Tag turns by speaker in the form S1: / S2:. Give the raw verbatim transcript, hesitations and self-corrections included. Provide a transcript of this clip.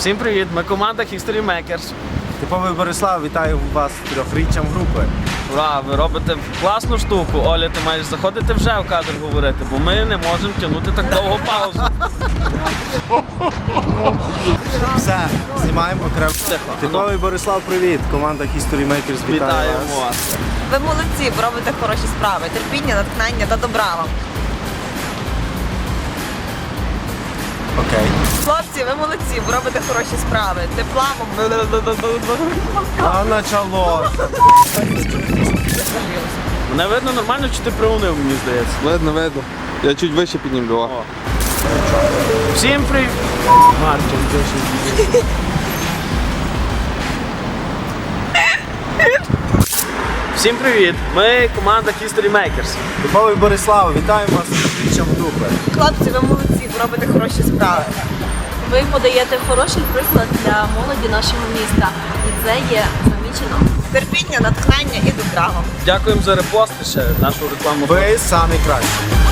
S1: Всім привіт! Ми команда History Makers.
S2: Типовий Борислав, вітаю вас з трьохріччям групи.
S1: Ура, ви робите класну штуку. Оля, ти маєш заходити вже в кадр говорити, бо ми не можемо тягнути так довго паузу.
S2: Все, знімаємо окремо.
S1: Тихо.
S2: Типовий Борислав, привіт. Команда History Makers вітає
S1: Вітаємо
S2: вас.
S1: вас.
S3: Ви молодці, ви робите хороші справи. Терпіння, натхнення та добра вам.
S2: Окей.
S3: Хлопці, ви молодці, ви робите хороші справи. Тепла вам.
S2: А начало.
S1: Мене видно нормально, чи ти приунив, мені здається.
S4: Видно, видно. Я чуть вище піднімлю.
S1: О. Всім привіт! Мартін, Всім привіт! Ми команда History Makers.
S2: Типовий Борислав, вітаємо вас з трьохріччям групи.
S3: Хлопці, ви молодці, ви робите хороші справи.
S5: Ви подаєте хороший приклад для молоді нашого міста, і це є замічено.
S3: Терпіння, натхнення і добра вам.
S1: Дякуємо за репости ще нашу рекламу.
S2: Ви самі кращі.